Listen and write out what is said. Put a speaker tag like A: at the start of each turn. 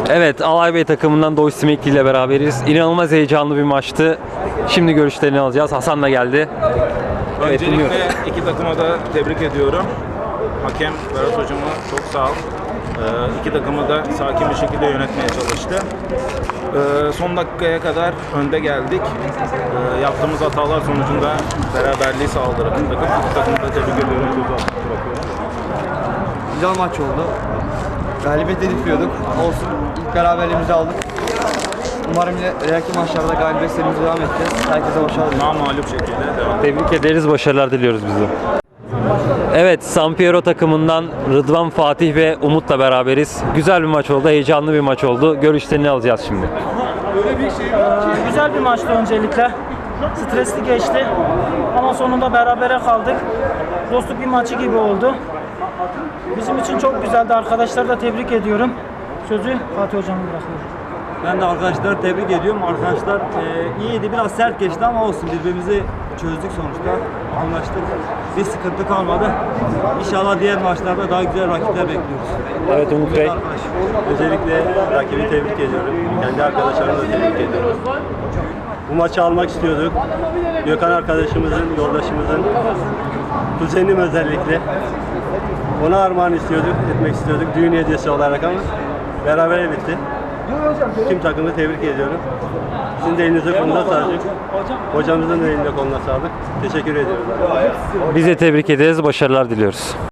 A: Evet, Alay Bey takımından Doğuş Simekli ile beraberiz. İnanılmaz heyecanlı bir maçtı. Şimdi görüşlerini alacağız. Hasan da geldi. Evet,
B: Öncelikle iki takıma da tebrik ediyorum. Hakem Berat hocama çok sağ ol. İki takımı da sakin bir şekilde yönetmeye çalıştı. Son dakikaya kadar önde geldik. Yaptığımız hatalar sonucunda beraberliği sağladı rakip takım. İki takımı da tebrik ediyorum.
C: Güzel maç oldu. Galibiyet hedefliyorduk. Olsun. İlk beraberliğimizi aldık. Umarım ileriki maçlarda galibiyet serimize devam edeceğiz. Herkese başarılar.
B: Namağlup şekilde devam.
A: Tebrik ederiz, başarılar diliyoruz biz de. Evet, San Piero takımından Rıdvan, Fatih ve Umut'la beraberiz. Güzel bir maç oldu, heyecanlı bir maç oldu. Görüşlerini alacağız şimdi.
D: Güzel bir maçtı öncelikle. Stresli geçti ama sonunda berabere kaldık. Dostluk bir maçı gibi oldu. Bizim için çok güzeldi. Arkadaşları da tebrik ediyorum. Sözü Fatih Hocam'a bırakıyorum.
E: Ben de arkadaşları tebrik ediyorum. Arkadaşlar iyiydi. Biraz sert geçti ama olsun. Birbirimizi çözdük sonuçta. Anlaştık. Bir sıkıntı kalmadı. İnşallah diğer maçlarda daha güzel rakipler bekliyoruz.
A: Evet Umut Bey.
F: Öncelikle rakibi tebrik ediyorum. Kendi arkadaşlarımı da tebrik ediyorum. Bu maçı almak istiyorduk. Gökhan arkadaşımızın, yoldaşımızın, kuzenim özellikle. Ona armağan etmek istiyorduk düğün hediyesi olarak ama beraber bitti. Tüm takımı tebrik ediyorum. Sizin de elinize koluna sağlık. Hocamızın da eline koluna sağlık. Teşekkür ediyorum.
A: Biz de tebrik ederiz, başarılar diliyoruz.